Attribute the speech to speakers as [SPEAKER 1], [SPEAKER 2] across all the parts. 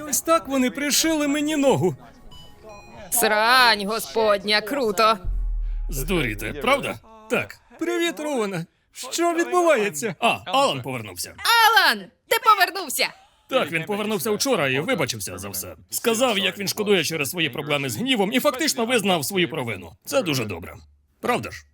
[SPEAKER 1] Ось так вони пришили мені ногу.
[SPEAKER 2] Срань, господня, круто.
[SPEAKER 3] Здуріти, правда? Так.
[SPEAKER 1] Привіт, Роване. Що відбувається?
[SPEAKER 3] Алан повернувся.
[SPEAKER 2] Алан, ти повернувся.
[SPEAKER 3] Так, він повернувся вчора і вибачився за все. Сказав, як він шкодує через свої проблеми з гнівом і фактично визнав свою провину. Це дуже добре. Правда ж?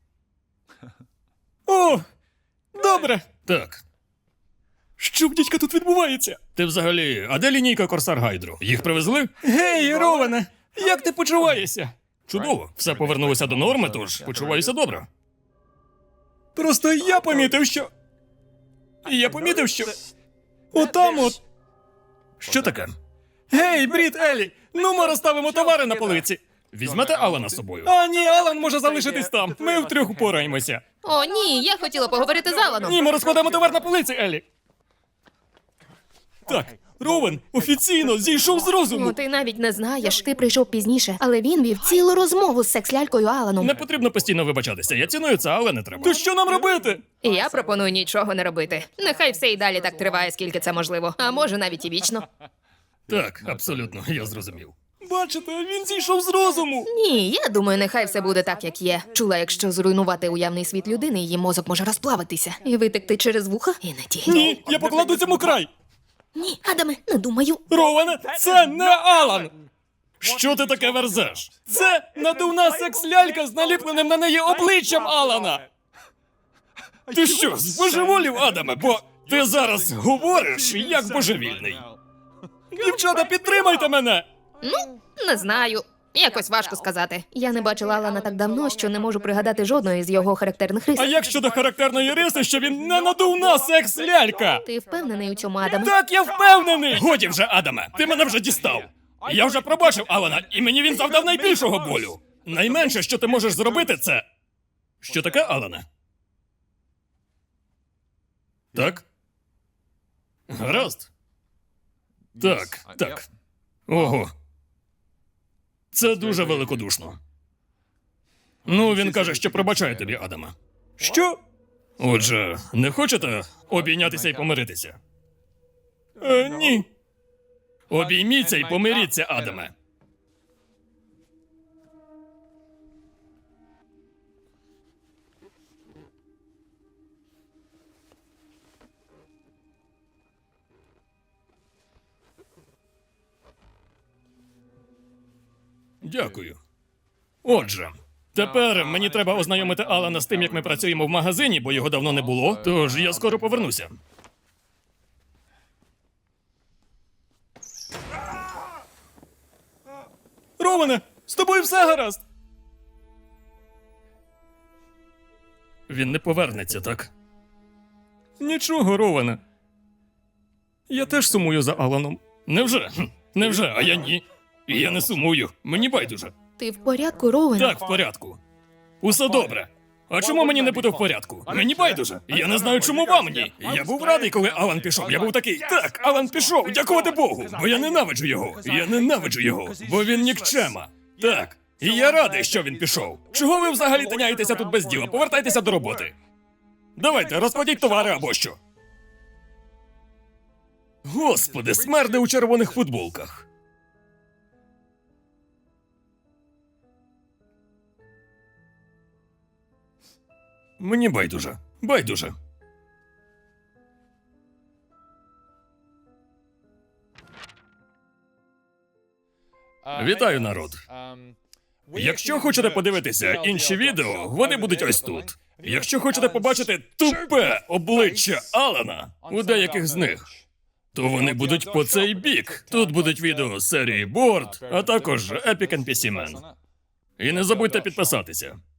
[SPEAKER 1] О, добре.
[SPEAKER 3] Так.
[SPEAKER 1] Що в дідька тут відбувається?
[SPEAKER 3] Ти взагалі, а де лінійка Корсар Гайдру? Їх привезли?
[SPEAKER 1] Гей, Роване, як ти почуваєшся?
[SPEAKER 3] Чудово. Все повернулося до норми, тож почуваюся добре.
[SPEAKER 1] Просто я помітив, що... Отам от...
[SPEAKER 3] Що таке?
[SPEAKER 1] Гей, Брід, Елі, ну ми розставимо товари на полиці.
[SPEAKER 3] Візьмете Алана з собою?
[SPEAKER 1] А ні, Алан може залишитись там. Ми втрьох упораємося.
[SPEAKER 2] О, ні, я хотіла поговорити з Аланом.
[SPEAKER 1] Ні, ми розкладемо товар на полиці, Елі. Так, Ровен офіційно зійшов з розуму.
[SPEAKER 2] Ну, ти навіть не знаєш. Ти прийшов пізніше, але він вів цілу розмову з секс-лялькою Аланом.
[SPEAKER 3] Не потрібно постійно вибачатися. Я ціную це, але не треба.
[SPEAKER 1] То що нам робити?
[SPEAKER 2] І я пропоную нічого не робити. Нехай все і далі так триває, скільки це можливо. А може навіть і вічно.
[SPEAKER 3] Так, абсолютно, я зрозумів.
[SPEAKER 1] Бачите, він зійшов з розуму.
[SPEAKER 2] Ні, я думаю, нехай все буде так, як є. Чула, якщо зруйнувати уявний світ людини, її мозок може розплавитися і витекти через вуха і не ті.
[SPEAKER 1] Ні, я покладу цьому край.
[SPEAKER 2] Ні, Адаме, не думаю.
[SPEAKER 1] Роване, це не Алан.
[SPEAKER 3] Що ти таке верзеш?
[SPEAKER 1] Це надувна секс-лялька з наліпленим на неї обличчям Алана.
[SPEAKER 3] Ти що, збожеволів, Адаме? Бо ти зараз говориш як божевільний.
[SPEAKER 1] Дівчата, підтримайте мене.
[SPEAKER 2] Ну, не знаю. Якось важко сказати. Я не бачила Алана так давно, що не можу пригадати жодної з його характерних рис.
[SPEAKER 1] А як щодо характерної риси, що він не надувна секс-лялька?
[SPEAKER 2] Ти впевнений у цьому, Адаме?
[SPEAKER 1] Так, я впевнений.
[SPEAKER 3] Годі вже, Адаме, ти мене вже дістав. Я вже пробачив Алана, і мені він завдав найбільшого болю. Найменше, що ти можеш зробити, це... Що таке, Алане? Так? Гаразд. Так. Ого. Це дуже великодушно. Ну, він каже, що пробачає тобі, Адаме.
[SPEAKER 1] Що?
[SPEAKER 3] Отже, не хочете обійнятися і помиритися?
[SPEAKER 1] Ні.
[SPEAKER 3] Обійміться і помиріться, Адаме. Дякую. Отже, тепер мені треба ознайомити Алана з тим, як ми працюємо в магазині, бо його давно не було, тож я скоро повернуся.
[SPEAKER 1] Роване, з тобою все гаразд.
[SPEAKER 3] Він не повернеться, так?
[SPEAKER 1] Нічого, Роване. Я теж сумую за Аланом.
[SPEAKER 3] Невже? Невже? А я ні. І я не сумую. Мені байдуже.
[SPEAKER 2] Ти в порядку, Роуен?
[SPEAKER 3] Так, в порядку. Усе добре. А чому мені не буде в порядку? Мені байдуже. Я не знаю, чому вам ні. Я був радий, коли Алан пішов. Я був такий, так, Алан пішов, дякувати Богу. Бо я ненавиджу його. Я ненавиджу його. Бо він нікчема. Так. І я радий, що він пішов. Чого ви взагалі тиняєтеся тут без діла? Повертайтеся до роботи. Давайте, розкладіть товари або що. Господи, смерди у червоних футболках. Мені байдуже. Байдуже. Вітаю, народ. Якщо хочете подивитися інші відео, вони будуть ось тут. Якщо хочете побачити тупе обличчя Алана у деяких з них, то вони будуть по цей бік. Тут будуть відео з серії Board, а також Epic NPC Man. І не забудьте підписатися.